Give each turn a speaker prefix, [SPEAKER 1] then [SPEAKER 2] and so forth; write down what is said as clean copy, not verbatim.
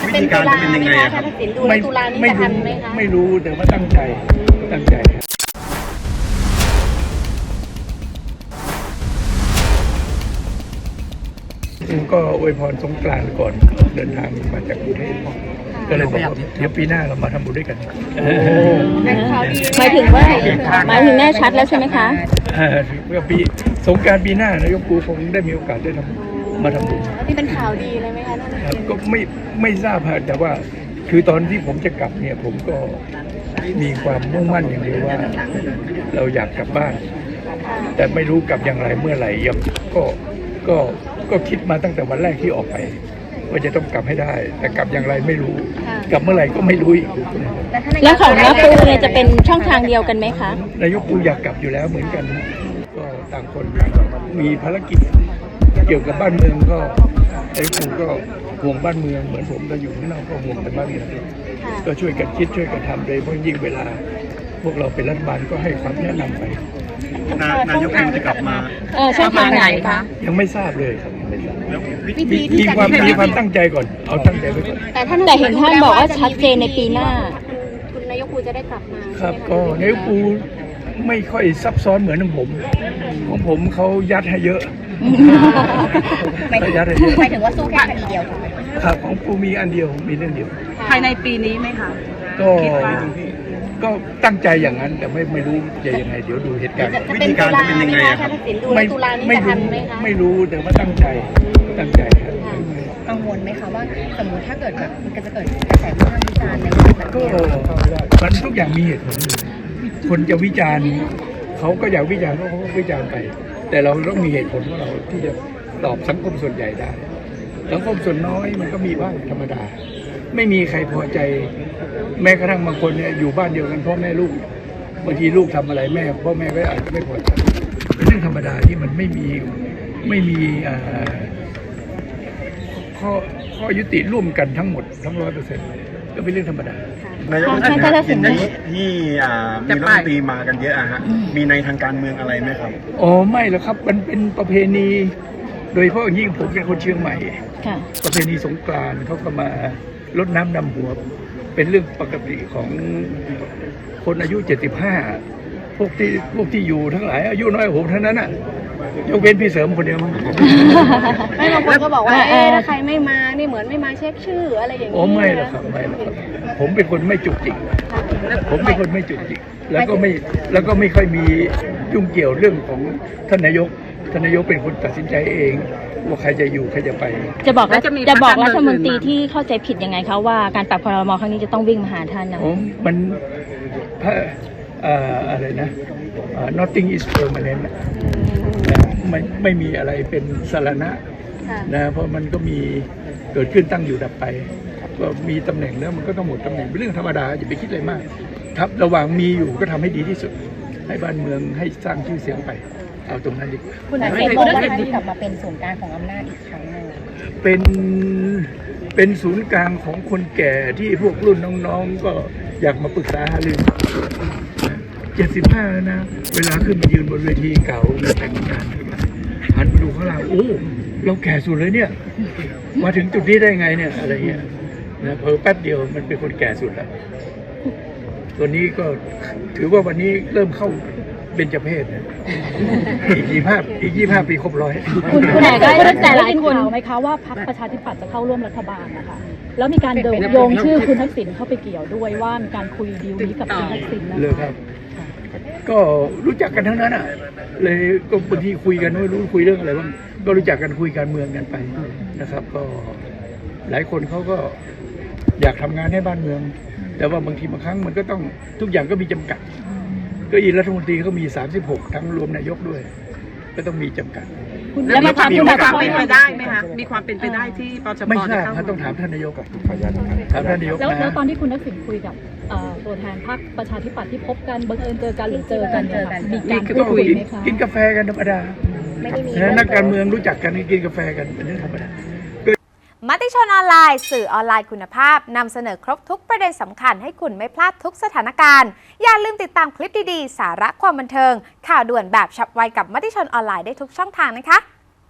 [SPEAKER 1] เป็นตุลาไหมคะถ้าตัดสินดูแล้วตุลานี้จะทันไหมคะ
[SPEAKER 2] ไม่รู้แต่ว่าตั้งใจผมก็อวยพรสงกรานต์ก่อนเดินทางมาจากกรุงเทพก็เลยบอกว่าเดี๋ยวปีหน้าเรามาทำบุญด้วยกัน
[SPEAKER 1] หมายถึงแน่ชัดแล้วใช่ไหมคะ
[SPEAKER 2] ปีสงกรานต์ปีหน้านายกปูคงได้มีโอกาสได้มาทำบุญ
[SPEAKER 1] นี่เป็นข่าวดีเลยไหมคะท่าน
[SPEAKER 2] ก็ไม่ทราบแต่ว่าคือตอนที่ผมจะกลับเนี่ยผมก็มีความมุ่งมั่นอย่างเดียวว่าเราอยากกลับบ้านแต่ไม่รู้กลับอย่างไรเมื่อไหร่ก็คิดมาตั้งแต่วันแรกที่ออกไปว่าจะต้องกลับให้ได้แต่กลับอย่างไรไม่รู้กลับเมื่อไหร่ก็ไม่รู้อีก
[SPEAKER 1] แล้วของนายกปูเนี่ยจะเป็นช่องทางเดียวกันไหมคะ
[SPEAKER 2] นายกปูอยากกลับอยู่แล้วเหมือนกันก็ต่างคนมีภารกิจเกี่ยวกับบ้านเมืองก็นายกปูก็ห่วงบ้านเมืองเหมือนผมเราอยู่ข้างนอกก็ห่วงแต่บ้านเมืองก็ช่วยกันคิดช่วยกันทำโดยเพราะยิ่งเวลาพวกเราเป็นรัฐบาลก็ให้ความแนะนำไป
[SPEAKER 3] นายกปูจะกลับมา
[SPEAKER 1] ช่องทางไหนคะ
[SPEAKER 2] ยังไม่ทราบเลยครับยังไม่ทราบมีความตั้งใจก่อนเอาตั้งใจไว้ก่อน
[SPEAKER 1] แต่เห็นท่านบอกว่าชัดเจนในปีหน้าคุณนายกปูจะได้กลับมา
[SPEAKER 2] ครับก็นายกปูไม่ค่อยซับซ้อนเหมือนของผมเขายัดให้เยอะ
[SPEAKER 1] หมายถึงว่าสู้แค่คดีเดียว
[SPEAKER 2] ครับของปูมีอันเดียวมีเรื่องเดียว
[SPEAKER 1] ภายในปีนี้ไหมคะ
[SPEAKER 2] ก็ตั้งใจอย่างนั้นแต่ไม่รู้จะยังไงเดี๋ยวดูเหตุการณ์
[SPEAKER 3] วิธีการจะเป็นยังไงครับ
[SPEAKER 2] ไม่รู้แต่ว่าตั้งใจครับ
[SPEAKER 1] กังวลไหมคะว่าสมมติถ้าเกิดแบบมันจะเกิดกระแสวิพากษ์วิจารณ์ในแบบ
[SPEAKER 2] ก็มันทุกอย่างมีเหตุผลคนจะวิจารณ์เขาก็อยากวิจารณ์เขาก็วิจารณ์ไปแต่เราต้องมีเหตุผลของเราที่จะตอบสังคมส่วนใหญ่ได้สังคมส่วนน้อยมันก็มีบ้างธรรมดาไม่มีใครพอใจแม้กระทั่งบางคนเนี่ยอยู่บ้านเดียวกันพ่อแม่ลูกบางทีลูกทำอะไรพ่อแม่ก็อาจจะไม่พอใจเป็นเรื่องธรรมดาที่มันไม่มีข้อยุติร่วมกันทั้งหมดทั้ง 100%ก็เป็นเรื่องธรรมดาน
[SPEAKER 3] ายกที่มีรัฐมนตรีมากันเยอะฮะมีในทางการเมืองอะไรไหมครับ
[SPEAKER 2] อ๋อไม่หรอกครับมันเป็นประเพณีโดยเฉพาะยิ่งผมเป็นคนเชียงใหม่ประเพณีสงกรานต์เขาก็มารดน้ำดำหัวเป็นเรื่องปกติของคนอายุ75พวกที่อยู่ทั้งหลายอายุน้อยผมเท่านั้นน่ะยกเว้นพี่เสริมคนเดียวมั้ง
[SPEAKER 1] ไม่บางคนก็บอกว่าถ้าใครไม่มานี่เหมือนไม่มาเช็คชื่ออะไรอย่างนี้
[SPEAKER 2] โอ้ไม่หรอกครับผมเป็นคนไม่จุกจิกแล้วก็ไม่ค่อยมียุ่งเกี่ยวเรื่องของท่านนายกเป็นคนตัดสินใจเองว่าใครจะอยู่ใครจะไป
[SPEAKER 1] จะบอกรัฐมนตรีที่เข้าใจผิดยังไงคะว่าการปรับครม.ครั้งนี้จะต้องวิ่งมาหาท่านนะ
[SPEAKER 2] มันอะไรนะ nothing is permanent ไม่มีอะไรเป็นสารณะนะเพราะมันก็มีเกิดขึ้นตั้งอยู่ดับไปก็มีตำแหน่งแล้วมันก็ต้องหมดตำแหน่งเป็นเรื่องธรรมดาอย่าไปคิดอะไรมากครับระหว่างมีอยู่ก็ทำให้ดีที่สุดให้บ้านเมืองให้สร้างชื่อเสียงไปเอาตรงนั้นดีกว่า
[SPEAKER 1] คุณอาจารย์บอกว่าที่กลับมาเป็นศูนย์กลางของอำนาจอีกครั้งนึง
[SPEAKER 2] เป็นศูนย์กลางของคนแก่ที่พวกรุ่นน้องๆก็อยากมาปรึกษาหารือ75แล้วนะเวลาขึ้นมายืนบนเวทีเก่าแต่งงานหันไปดูข้างล่างโอ้เราแก่สุดเลยเนี่ยมาถึงจุดนี้ได้ไงเนี่ยอะไรเงี้ยนะเพิ่แป๊บเดียวมันเป็นคนแก่สุดแล้วตัวนี้ก็ถือว่าวันนี้เริ่มเข้าเบญจเพศนะอีก25 ปีครบ100
[SPEAKER 1] คุณไหนก็แต่หลายคนไหมคะว่าพรรคประชาธิปัตย์จะเข้าร่วมรัฐบาลนะคะแล้วมีการโยงชื่อคุณทักษิณเข้าไปเกี่ยวด้วยว่ามีการคุยดีลนี้กับคุณทักษิณ
[SPEAKER 2] นะคะก็รู้จักกันทั้งนั้นอ่ะเลยก็บางทีคุยกันไม่รู้คุยเรื่องอะไรบ้างก็รู้จักกันคุยการเมืองกันไปนะครับก็หลายคนเขาก็อยากทำงานให้บ้านเมืองแต่ว่าบางทีบางครั้งมันก็ต้องทุกอย่างก็มีจำกัดก็อีรัฐมนตรีก็มี36ทั้งรวมนายกด้วยก็ต้องมีจำกัด
[SPEAKER 1] แล้วมีความเป็นไปได้ไหมคะ
[SPEAKER 4] มีความเป็นไปได้ที่ปชป
[SPEAKER 2] ไม่ทราบต้องถามท่านนายกกับถามท่านนายก
[SPEAKER 1] แล้วตอนที่คุณทักษิณคุยกับตัวแทนพรรคประชาธิปัตย์ที่พบกันบังเอิญเจอกันหรือเจอกันมีการพูดคุยไหมคะ
[SPEAKER 2] กินกาแฟกันธรรมดานักการเมืองรู้จักกันกินกาแฟกันเป็นเรื่องธรรมดาม
[SPEAKER 5] ติชนออนไลน์สื่อออนไลน์คุณภาพนำเสนอครบทุกประเด็นสำคัญให้คุณไม่พลาดทุกสถานการณ์อย่าลืมติดตามคลิปดีๆสาระความบันเทิงข่าวด่วนแบบฉับไวกับมติชนออนไลน์ได้ทุกช่องทางนะคะ